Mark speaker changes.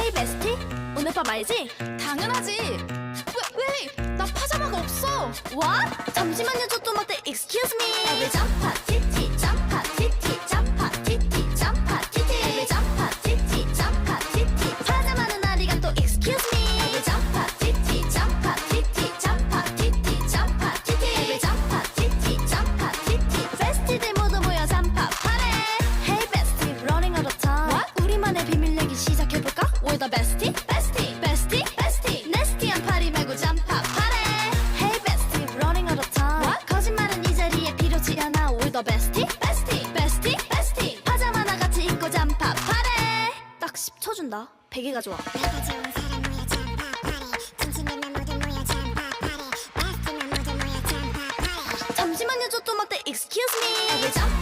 Speaker 1: Hey bestie, 오늘 밤 알지?
Speaker 2: 당연하지. 왜? 나 파자마가 없어.
Speaker 1: What? 잠시만요, 저 또 막대 Excuse me. Every 점파 티티 점파 티티 점파 티티 점파 티티. Every 점파 티티 점파 티티. 파자마는 아리가 또 Excuse me. Every 점파 티티 점파 티티 점파 티티 점파 티티. Every 점파 티티 점파 티티. 베스티들 모두 모여 잠파 파래. Hey bestie, running out of time. What? 우리만의 비밀 얘기 시작해볼까? We're the bestie, bestie, bestie, bestie. 네스티한 파리 말고 잠파 파래. Hey bestie, running out of time. What? 거짓말은 이 자리에 필요치 않아. We're the bestie, bestie, bestie, bestie. 파자마나 같이 입고 잠파 파래. 딱 10초 준다. 베개가 좋아.
Speaker 3: 내가 좋은 사람 모여 잠파 파리 진심이면 모두 모여 잠파 파리 베스트면 모두 모여 잠파 파리
Speaker 1: 잠시만요, 저 또 막대 Excuse me. Every 점파